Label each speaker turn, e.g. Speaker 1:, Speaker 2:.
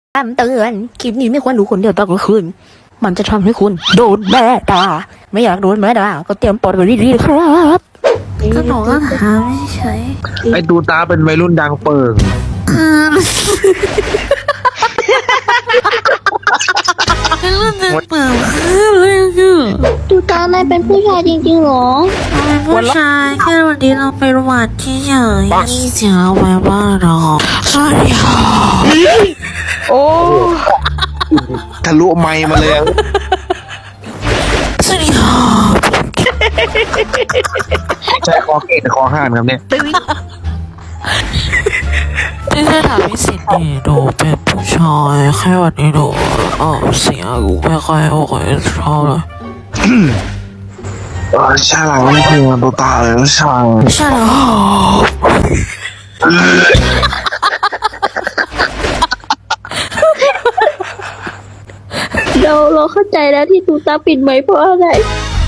Speaker 1: คำเตือนคลิปนี้ไม่ควรดูคนเดียวตอนกลางคืนมันจะทำให้คุณโดนแม่ด่าไม่อยากโดนแม่ด่าก็เตรียมปลดกันดีๆครับก็หนูก็ถามเฉย
Speaker 2: ไอ้ตูตาเป็นวัยรุ่นดังเปิง
Speaker 1: เป็นเรื่องเปล่าเลยคือ
Speaker 3: ตูตานายเป็นผู้ชายจริงๆเหรอ
Speaker 1: เป็นผู้ชายแค่วันนี้เราไปวัดที่เฉยนี่เสียงเอาไว้ว่าเราสวัสดีค่ะ
Speaker 2: โอ้ทะลุไมค์มาเลย
Speaker 1: สวัสดีค่ะ
Speaker 2: ใช่คอเกตคอห่านครับเนี่ย
Speaker 1: ที่จะถามพิสิทธิ์นี่ดูเป็นผู้ชายแค่วันนี้ดูเสียงกูไม่ค่อยโอเคชอบเลย
Speaker 2: ใช่หลังนี่คือตูตาเลยช่าง
Speaker 1: ใช่แล้ว
Speaker 3: เราเข้าใจแล้วที่ตูตาปิดไมค์เพราะอะไร